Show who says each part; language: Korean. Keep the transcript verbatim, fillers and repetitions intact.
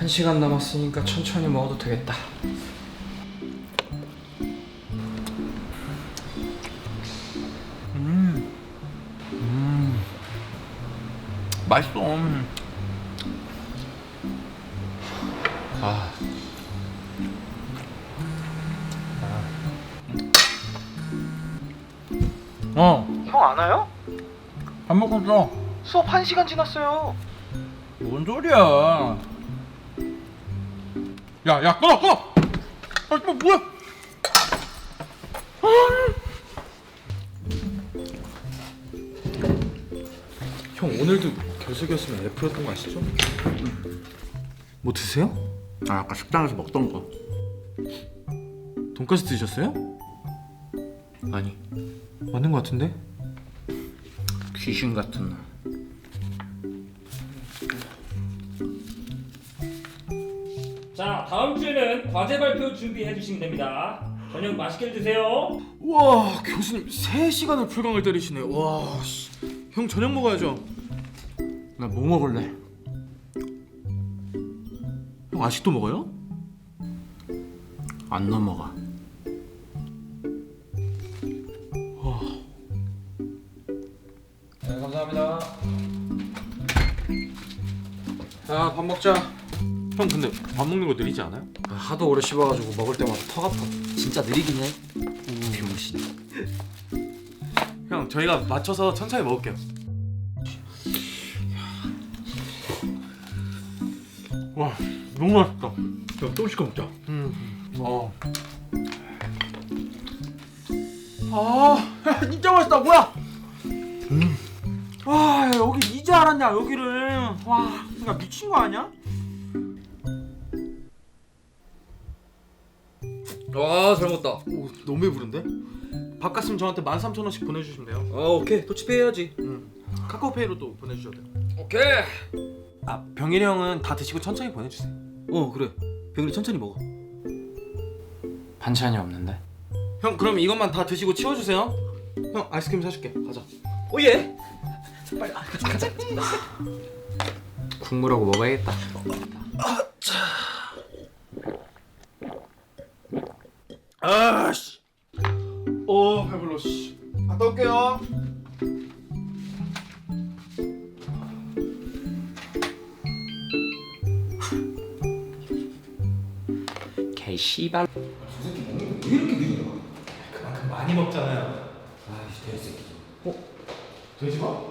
Speaker 1: 한 시간 남았으니까 천천히 먹어도 되겠다.
Speaker 2: 음, 음, 맛있어. 아, 어,
Speaker 1: 형 안 와요?
Speaker 2: 밥 먹었어.
Speaker 1: 수업 한 시간 지났어요.
Speaker 2: 뭔 소리야? 야, 야, 끊어, 끊어. 아, 뭐 뭐야?
Speaker 1: 형 오늘도 결석이었으면 F였던 거 아시죠? 뭐 드세요?
Speaker 2: 아, 아까 식당에서 먹던 거.
Speaker 1: 돈까스 드셨어요?
Speaker 2: 아니,
Speaker 1: 맞는 거 같은데?
Speaker 2: 귀신 같은 놈.
Speaker 3: 자, 다음 주에는 과제 발표 준비해 주시면 됩니다. 저녁 맛있게 드세요.
Speaker 1: 와 교수님 세 시간을 풀강을 때리시네. 와 씨. 형 저녁 먹어야죠.
Speaker 2: 나 뭐 먹을래?
Speaker 1: 형 아직도 먹어요?
Speaker 2: 안 넘어가.
Speaker 1: 네 감사합니다. 자 밥 먹자. 형 근데 밥 먹는 거 느리지 않아요? 하도 오래 씹어가지고 먹을 때마다 턱 아파.
Speaker 4: 진짜 느리긴 해. 병신.
Speaker 1: 형 저희가 맞춰서 천천히 먹을게요. 와 너무 맛있다. 형 또 시켜 먹자. 음. 어. 아 진짜 맛있다. 뭐야? 음. 와 여기 이제 알았냐 여기를. 와 내가 미친 거 아니야?
Speaker 4: 와잘 먹었다.
Speaker 1: 오 너무 배부른데? 밥 갔으면 저한테 만 삼천 원씩 보내주시면 돼요.
Speaker 4: 아 오케이 도치페이 해야지.
Speaker 1: 응. 카카오페이로 또 보내주셔도 돼요.
Speaker 4: 오케이.
Speaker 1: 아 병일이 형은 다 드시고 천천히 보내주세요.
Speaker 4: 어 그래. 병일이 천천히 먹어.
Speaker 1: 반찬이 없는데? 형 그럼 이것만 다 드시고 치워주세요. 형 아이스크림 사줄게. 가자.
Speaker 4: 오예.
Speaker 1: 국물하고 먹어야겠다. 아씨. 오 배불러 씨. 갔다 올게요.
Speaker 4: 개 씨발.
Speaker 1: 왜 이렇게 느려? 그만큼 많이 먹잖아요. 아이씨 돼지 새끼. 어? 돼지가?